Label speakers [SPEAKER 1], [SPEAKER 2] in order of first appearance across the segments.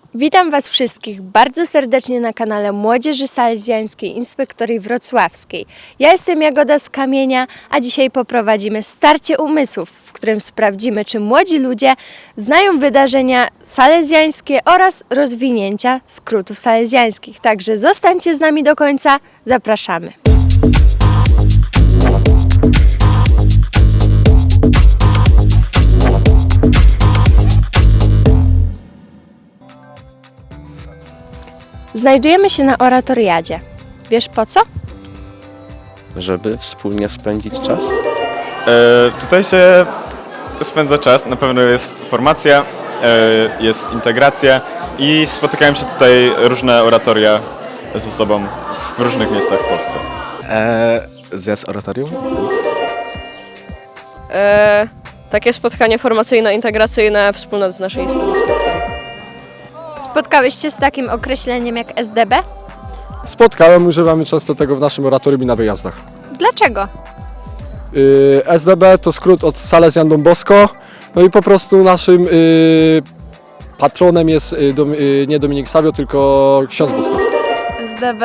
[SPEAKER 1] Witam Was wszystkich bardzo serdecznie na kanale Młodzieży Salezjańskiej Inspektorii Wrocławskiej. Ja jestem Jagoda z Kamienia, a dzisiaj poprowadzimy starcie umysłów, w którym sprawdzimy, czy młodzi ludzie znają wydarzenia salezjańskie oraz rozwinięcia skrótów salezjańskich. Także zostańcie z nami do końca, zapraszamy. Znajdujemy się na oratoriadzie. Wiesz po co?
[SPEAKER 2] Żeby wspólnie spędzić czas?
[SPEAKER 3] Tutaj się spędza czas, na pewno jest formacja, jest integracja i spotykają się tutaj różne oratoria ze sobą w różnych miejscach w Polsce.
[SPEAKER 2] Zjazd oratorium?
[SPEAKER 4] Takie spotkanie formacyjno-integracyjne wspólnot z naszej instytucji.
[SPEAKER 1] Spotkałeś się z takim określeniem jak SDB?
[SPEAKER 5] Spotkałem, używamy często tego w naszym oratorium i na wyjazdach.
[SPEAKER 1] Dlaczego?
[SPEAKER 5] SDB to skrót od Salezjan Don Bosco, no i po prostu naszym patronem jest nie Dominik Savio, tylko ksiądz Bosko.
[SPEAKER 6] SDB.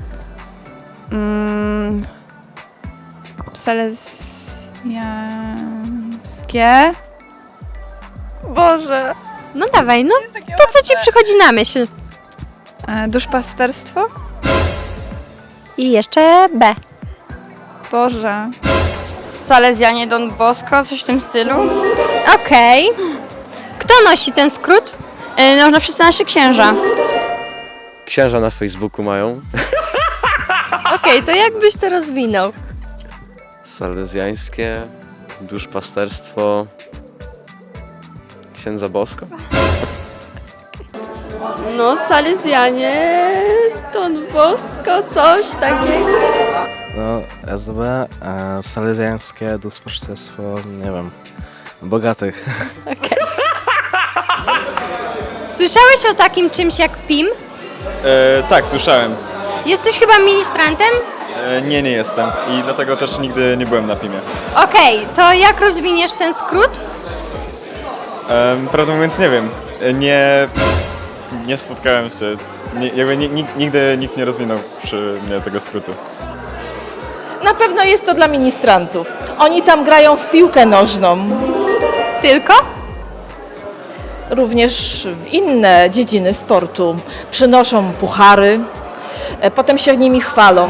[SPEAKER 6] Salezjańskie. Boże.
[SPEAKER 1] No dawaj, no to co Ci przychodzi na myśl?
[SPEAKER 6] Duszpasterstwo?
[SPEAKER 1] I jeszcze B.
[SPEAKER 6] Boże.
[SPEAKER 7] Salezjanie Don Bosco, coś w tym stylu.
[SPEAKER 1] Okej. Kto nosi ten skrót?
[SPEAKER 7] No wszyscy nasi księża.
[SPEAKER 2] Księża na Facebooku mają.
[SPEAKER 1] Okej, to jak byś to rozwinął?
[SPEAKER 2] Salezjańskie, duszpasterstwo, księdza Bosko.
[SPEAKER 4] No, Salezjanie, Don Bosco, coś takiego.
[SPEAKER 8] No, SDB, salezjańskie duszpasterstwo, nie wiem, bogatych.
[SPEAKER 1] Słyszałeś o takim czymś jak PIM?
[SPEAKER 3] Tak, słyszałem.
[SPEAKER 1] Jesteś chyba ministrantem?
[SPEAKER 3] Nie jestem i dlatego też nigdy nie byłem na PIM-ie.
[SPEAKER 1] Okej, to jak rozwiniesz ten skrót?
[SPEAKER 3] Prawdę mówiąc nie wiem, nie spotkałem się, nigdy nikt nie rozwinął przy mnie tego skrótu.
[SPEAKER 9] Na pewno jest to dla ministrantów. Oni tam grają w piłkę nożną,
[SPEAKER 1] Tylko?
[SPEAKER 9] również w inne dziedziny sportu. Przynoszą puchary, potem się nimi chwalą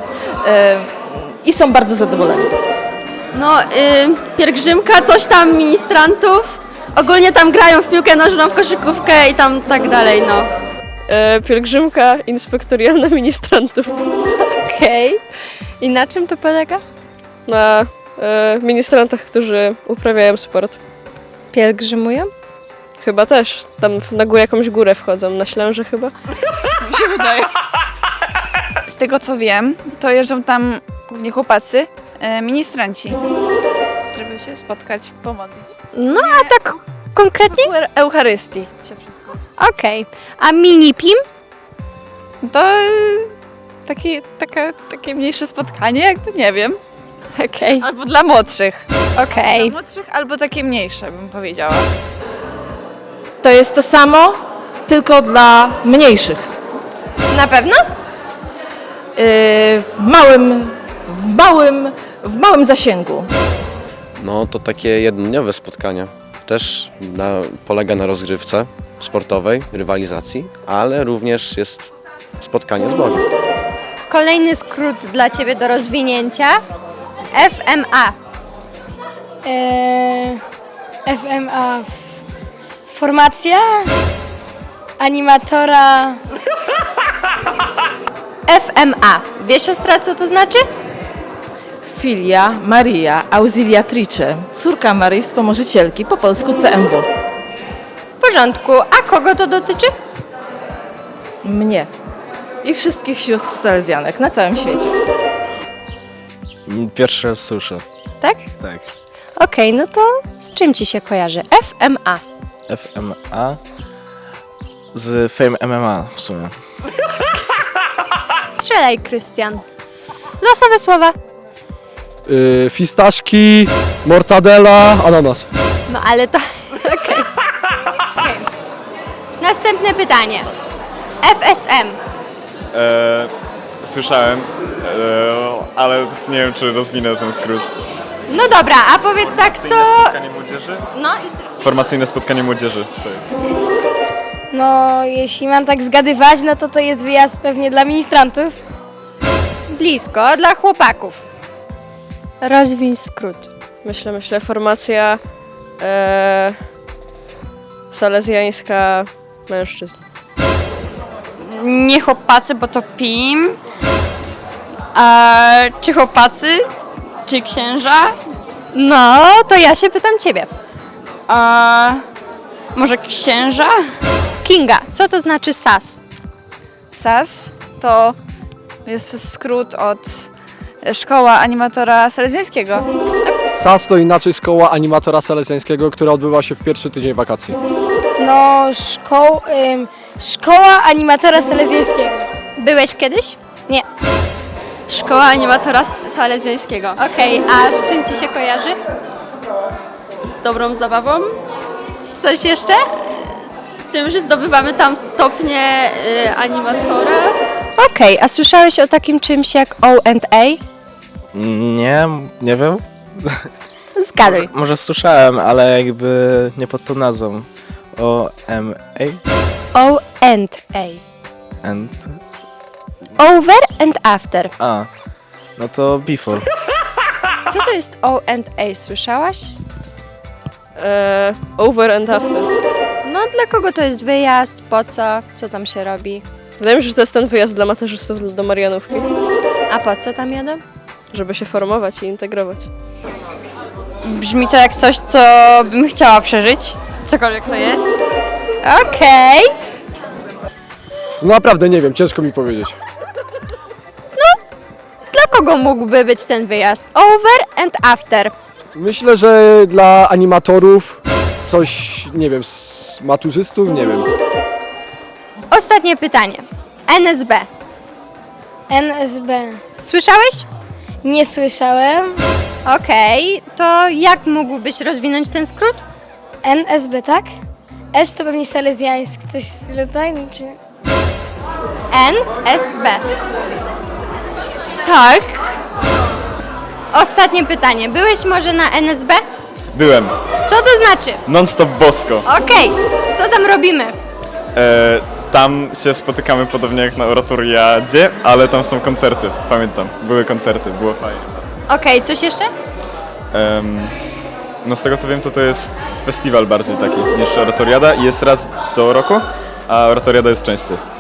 [SPEAKER 9] i są bardzo zadowoleni.
[SPEAKER 7] No, pielgrzymka, coś tam ministrantów. Ogólnie tam grają w piłkę nożną, w koszykówkę i tam tak dalej, no.
[SPEAKER 4] Pielgrzymka inspektorialna ministrantów.
[SPEAKER 1] Okej. I na czym to polega?
[SPEAKER 4] Na ministrantach, którzy uprawiają sport.
[SPEAKER 1] Pielgrzymują?
[SPEAKER 4] Chyba też. Tam na górę jakąś górę wchodzą, na Ślęże chyba. Mi się wydaje.
[SPEAKER 6] Z tego co wiem, to jeżdżą tam głównie chłopacy, ministranci, żeby się spotkać, pomodlić.
[SPEAKER 1] No a tak konkretnie?
[SPEAKER 6] Eucharystii.
[SPEAKER 1] Okej. A mini PIM?
[SPEAKER 6] To takie mniejsze spotkanie, jakby nie wiem.
[SPEAKER 1] Okej.
[SPEAKER 6] Albo dla młodszych.
[SPEAKER 1] Okej.
[SPEAKER 6] Dla młodszych albo takie mniejsze, bym powiedziała.
[SPEAKER 9] To jest to samo, tylko dla mniejszych.
[SPEAKER 1] Na pewno?
[SPEAKER 9] W małym zasięgu.
[SPEAKER 2] No to takie jednodniowe spotkania. Też polega na rozgrywce sportowej, rywalizacji, ale również jest spotkanie z Bogiem.
[SPEAKER 1] Kolejny skrót dla Ciebie do rozwinięcia. FMA.
[SPEAKER 10] FMA. Formacja animatora.
[SPEAKER 1] FMA. Wie siostra, co to znaczy?
[SPEAKER 9] Filia Maria Auxiliatrice, córka Maryi Wspomożycielki, po polsku CMW.
[SPEAKER 1] W porządku. A kogo to dotyczy?
[SPEAKER 9] Mnie i wszystkich sióstr salezjanek na całym świecie.
[SPEAKER 8] Pierwszy raz słyszę.
[SPEAKER 1] Tak?
[SPEAKER 8] Tak.
[SPEAKER 1] Okej, no to z czym Ci się kojarzy? FMA.
[SPEAKER 8] FMA z Fame MMA w sumie.
[SPEAKER 1] Strzelaj, Krystian. Losowe słowa.
[SPEAKER 5] Fistaszki, mortadela, ananas.
[SPEAKER 1] No ale to... Okej. Następne pytanie. FSM.
[SPEAKER 3] Słyszałem, ale nie wiem, czy rozwinę ten skrót.
[SPEAKER 1] No dobra, a powiedz tak, co...
[SPEAKER 3] Spotkanie młodzieży?
[SPEAKER 1] No i
[SPEAKER 3] Formacyjne spotkanie młodzieży to jest.
[SPEAKER 10] No, jeśli mam tak zgadywać, no to jest wyjazd pewnie dla ministrantów.
[SPEAKER 1] blisko, dla chłopaków. Rozwiń skrót.
[SPEAKER 4] Myślę, formacja salezjańska mężczyzn.
[SPEAKER 7] Nie chłopacy, bo to PIM. Czy chłopacy? Czy księża?
[SPEAKER 1] No, to ja się pytam ciebie.
[SPEAKER 7] Może księża?
[SPEAKER 1] Kinga, co to znaczy SAS?
[SPEAKER 6] SAS to jest skrót od Szkoła Animatora Salezjańskiego.
[SPEAKER 5] SAS to inaczej szkoła animatora salezjańskiego, która odbywa się w pierwszy tydzień wakacji.
[SPEAKER 10] No, szkoła animatora salezjańskiego.
[SPEAKER 1] Byłeś kiedyś?
[SPEAKER 10] Nie.
[SPEAKER 7] Szkoła animatora salezjańskiego.
[SPEAKER 1] Okej, a z czym ci się kojarzy?
[SPEAKER 7] Z dobrą zabawą.
[SPEAKER 1] Coś jeszcze?
[SPEAKER 7] Z tym, że zdobywamy tam stopnie animatora.
[SPEAKER 1] Okej, a słyszałeś o takim czymś jak O&A?
[SPEAKER 8] Nie wiem.
[SPEAKER 1] Zgaduj.
[SPEAKER 8] Może słyszałem, ale jakby nie pod tą nazwą. O-M-A?
[SPEAKER 1] O&A.
[SPEAKER 8] And...
[SPEAKER 1] Over and after.
[SPEAKER 8] A. No to before.
[SPEAKER 1] Co to jest O&A? Słyszałaś?
[SPEAKER 4] Over and after.
[SPEAKER 1] No, dla kogo to jest wyjazd? Po co? Co tam się robi?
[SPEAKER 4] Wydaje mi się, że to jest ten wyjazd dla maturzystów do Marianówki,
[SPEAKER 1] A po co tam jadą?
[SPEAKER 4] żeby się formować i integrować.
[SPEAKER 7] Brzmi to jak coś, co bym chciała przeżyć. Cokolwiek to jest.
[SPEAKER 1] Okej.
[SPEAKER 5] No naprawdę nie wiem, ciężko mi powiedzieć.
[SPEAKER 1] Dla kogo mógłby być ten wyjazd? Over and after.
[SPEAKER 5] Myślę, że dla animatorów coś, nie wiem, z maturzystów, nie wiem.
[SPEAKER 1] Ostatnie pytanie. NSB.
[SPEAKER 10] NSB.
[SPEAKER 1] Słyszałeś?
[SPEAKER 10] Nie słyszałem.
[SPEAKER 1] Okej, to jak mógłbyś rozwinąć ten skrót?
[SPEAKER 10] NSB, tak? S to pewnie salezjański, coś w stylu, tak? Czy...
[SPEAKER 1] NSB.
[SPEAKER 7] Tak.
[SPEAKER 1] Ostatnie pytanie. Byłeś może na NSB?
[SPEAKER 3] Byłem.
[SPEAKER 1] Co to znaczy?
[SPEAKER 3] Non-stop bosko.
[SPEAKER 1] Okej, co tam robimy?
[SPEAKER 3] Tam się spotykamy podobnie jak na oratoriadzie, ale tam są koncerty. Pamiętam, były koncerty, było fajnie.
[SPEAKER 1] Okej, coś jeszcze?
[SPEAKER 3] No z tego co wiem, to jest festiwal bardziej taki niż oratoriada i jest raz do roku, a oratoriada jest częściej.